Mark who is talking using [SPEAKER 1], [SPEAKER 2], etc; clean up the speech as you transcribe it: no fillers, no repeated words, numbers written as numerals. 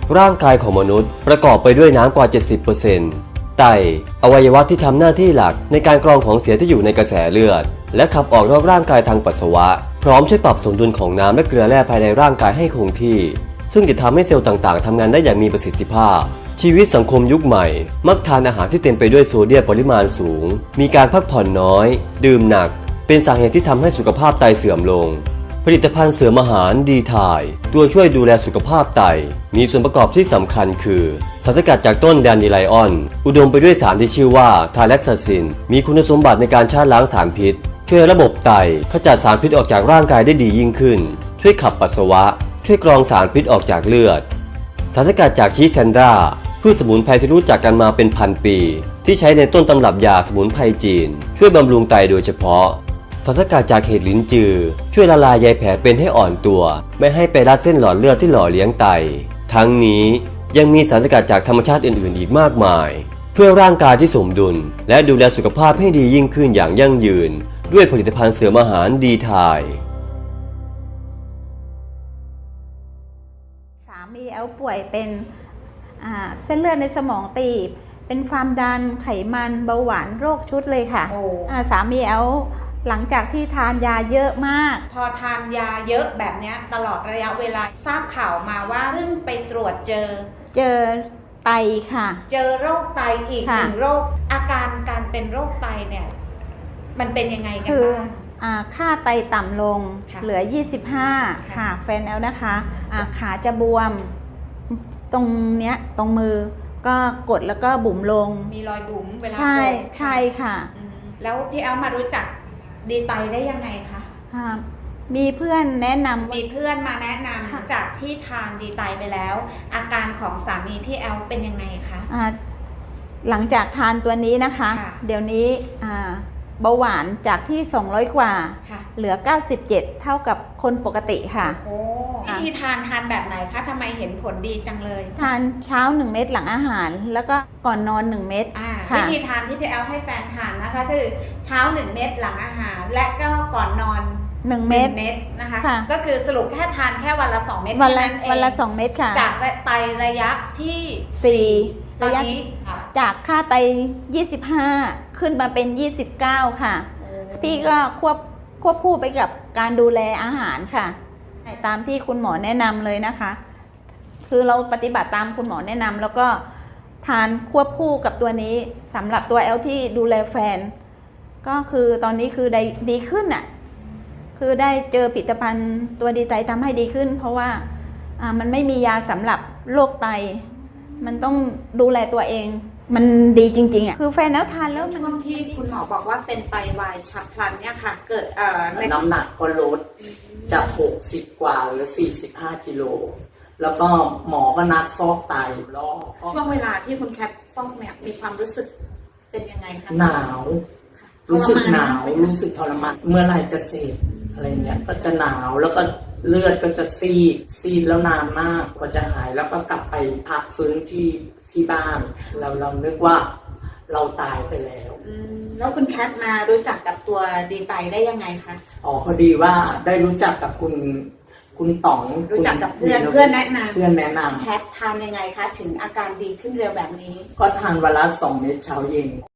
[SPEAKER 1] ร่างกายของมนุษย์ประกอบไปด้วยน้ำกว่า 70%ไตอวัยวะที่ทำหน้าที่หลักในการกรองของเสียที่อยู่ในกระแสเลือดและขับออกนอกร่างกายทางปัสสาวะพร้อมช่วยปรับสมดุลของน้ำและเกลือแร่ภายในร่างกายให้คงที่ซึ่งจะทำให้เซลล์ต่างๆทำงานได้อย่างมีประสิทธิภาพชีวิตสังคมยุคใหม่มักทานอาหารที่เต็มไปด้วยโซเดียมปริมาณสูงมีการพักผ่อนน้อยดื่มหนักเป็นสาเหตุที่ทำให้สุขภาพไตเสื่อมลงผลิตภัณฑ์เสริมอาหารดีไทน์ตัวช่วยดูแลสุขภาพไตมีส่วนประกอบที่สำคัญคือสารสกัดจากต้นแดนดิไลออนอุดมไปด้วยสารที่ชื่อว่าทาแล็กซาซินมีคุณสมบัติในการชาล้างสารพิษช่วยระบบไตขจัดสารพิษออกจากร่างกายได้ดียิ่งขึ้นช่วยขับปัสสาวะช่วยกรองสารพิษออกจากเลือดสารสกัดจากชีแซนดราพืชสมุนไพรที่รู้จักกันมาเป็นพันปีที่ใช้ในต้นตำรับยาสมุนไพรจีนช่วยบำรุงไตโดยเฉพาะสารสกัดจากเห็ดลิ้นจือช่วยละลายใยแผลเป็นให้อ่อนตัวไม่ให้ไปรัดเส้นหลอดเลือดที่หล่อเลี้ยงไตทั้งนี้ยังมีสารสกัดจากธรรมชาติอื่นๆอีกมากมายเพื่อร่างกายที่สมดุลและดูแลสุขภาพให้ดียิ่งขึ้นอย่างยั่งยืนด้วยผลิตภัณฑ์เสริมอาหารดีไทน์
[SPEAKER 2] สามีแอลป่วยเป็นเส้นเลือดในสมองตีบเป็นความดันไขมันเบาหวานโรคชุดเลยค่ะสามีแอลหลังจากที่ทานยาเยอะมาก
[SPEAKER 3] พอทานยาเยอะแบบนี้ตลอดระยะเวลาทราบข่าวมาว่าเพิ่งไปตรวจเจอ
[SPEAKER 2] ไตค่ะ
[SPEAKER 3] เจอโรคไตอีกหนึ่งโรคอาการการเป็นโรคไตเนี่ยมันเป็นยังไงกันบ้าง
[SPEAKER 2] ค่าไตต่ำลงเหลือ25ค่ะแฟนแอลนะคะขาจะบวมตรงเนี้ยตรงมือก็กดแล้วก็บุ๋มลง
[SPEAKER 3] มีรอยบุ๋มเวลา
[SPEAKER 2] ใช่ค่ะ
[SPEAKER 3] แล้วพี่แอลมารู้จักดีไตได้ยังไงคะ
[SPEAKER 2] มีเพื่อนแนะนำ
[SPEAKER 3] มีเพื่อนมาแนะนำจากที่ทานดีไตไปแล้วอาการของสามีพี่แอลเป็นยังไงคะ
[SPEAKER 2] หลังจากทานตัวนี้นะคะเดี๋ยวนี้เบาหวานจากที่200กว่าเหลือ97เท่ากับคนปกติค่ะ
[SPEAKER 3] โอ้วิธีทานแบบไหนคะทำไมเห็นผลดีจังเลย
[SPEAKER 2] ทานเช้า1เม็ดหลังอาหารแล้วก็ก่อนนอน1เม็ด
[SPEAKER 3] วิธีทานที่พี่แอลให้แฟนทานนะคะคือเช้า1เม็ดหลังอาหารและก็ก่อนนอน
[SPEAKER 2] 1เม็ด
[SPEAKER 3] นะคะก็คือสรุปแค่ทานแค่วันละ2เม็ด
[SPEAKER 2] วันละ2เม็ดค่ะ
[SPEAKER 3] จากไประยะที่4ระยะ
[SPEAKER 2] จากค่าไต25ขึ้นมาเป็น29ค่ะพี่ก็ควบคู่ไปกับการดูแลอาหารค่ะตามที่คุณหมอแนะนำเลยนะคะคือเราปฏิบัติตามคุณหมอแนะนำแล้วก็ทานควบคู่กับตัวนี้สำหรับตัวแอลที่ดูแลแฟนก็คือตอนนี้คือได้ดีขึ้นอ่ะคือได้เจอผลิตภัณฑ์ตัวดีไตทำให้ดีขึ้นเพราะว่ามันไม่มียาสำหรับโรคไตมันต้องดูแลตัวเองมันดีจริงๆอ่ะคือแฟนแล้วทานแล้ว
[SPEAKER 3] ช่วงที่คุณหมอบอกว่าเป็นไตวายฉับพลันเนี่ยค่ะเกิด
[SPEAKER 4] น้ำหนักก็ลดจาก60กว่าเหลือ45กิโลแล้วก็หมอก็นัดฟอกไตรอบ
[SPEAKER 3] ช่วงเวลาที่คุณแคทฟอกเนี่ยมีความรู้สึกเป็นยังไงคะ
[SPEAKER 4] หนาวรู้สึกหนาวรู้สึกทรมานเมื่อไรจะเสร็จอะไรเงี้ยก็จะหนาวแล้วก็เลือดก็จะซีดแล้วนานมากกว่าจะหายแล้วก็กลับไปพักฟื้นที่บ้านเรานึกว่าเราตายไปแล้ว
[SPEAKER 3] แล้วคุณแคทมารู้จักกับตัวดีไตได้ยังไงคะ
[SPEAKER 4] พอดีว่าได้รู้จักกับคุณต๋อง
[SPEAKER 3] รู้จักกับเพื่อนแนะ
[SPEAKER 4] นำ
[SPEAKER 3] แคททานยังไงคะถึงอาการดีขึ้นเร็วแบบนี้
[SPEAKER 4] ก็ทานวันละ2 เม็ดเช้าเย็น